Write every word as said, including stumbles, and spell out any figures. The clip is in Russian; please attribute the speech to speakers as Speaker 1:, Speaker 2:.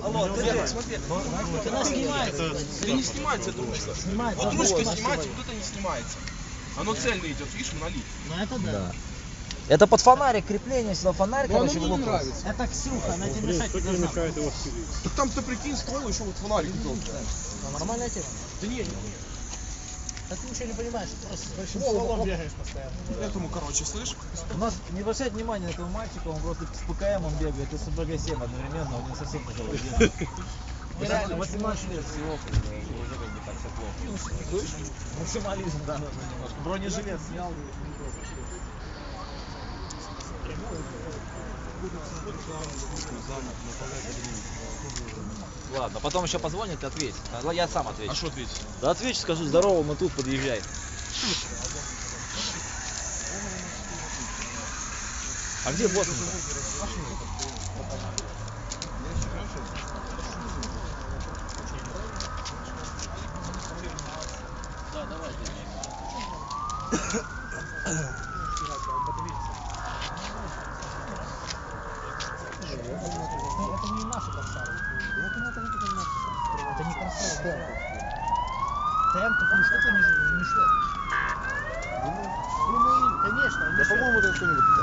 Speaker 1: Алло, ты смотри.
Speaker 2: Она снимается.
Speaker 1: Это не снимается, это ручка.
Speaker 2: Снимается.
Speaker 1: Вот ручка снимается, вот это не снимается. Оно цельно идет, видишь, монолит.
Speaker 2: Ну это да.
Speaker 3: Это под фонарик, крепление сюда, фонарик,
Speaker 1: Но оно
Speaker 3: короче,
Speaker 1: мне не
Speaker 3: вылупилось.
Speaker 1: нравится.
Speaker 2: Это Ксюха, она тебе мешать не должна.
Speaker 1: Так там-то прикинь, ствол еще вот фонарик идет.
Speaker 2: Ну, нормальная тема.
Speaker 1: Да не, не, не.
Speaker 2: Да ты ничего не понимаешь, ты просто с большим
Speaker 1: О,
Speaker 2: стволом
Speaker 1: о.
Speaker 2: бегаешь постоянно.
Speaker 1: Этому, короче, слышь?
Speaker 3: У нас не обращать внимания на этого мальчика, он просто с ПКМ он бегает и с бэ гэ семь одновременно, он не совсем тяжелый. Ну, реально, восемнадцать лет всего, уже как бы так все плохо. Максимализм, да, немножко. Бронежилет снял. Ладно, потом еще позвонит и ответит. Я сам отвечу.
Speaker 1: А что ответить?
Speaker 3: Да отвечу, скажу, здорово, мы тут, подъезжай. А где босс?
Speaker 2: Да, давайте. Это не наши корсары. Это не корсары. Темп, ну что ты не мешаешь? Думаю, конечно.
Speaker 1: Да, по-моему, это что-нибудь.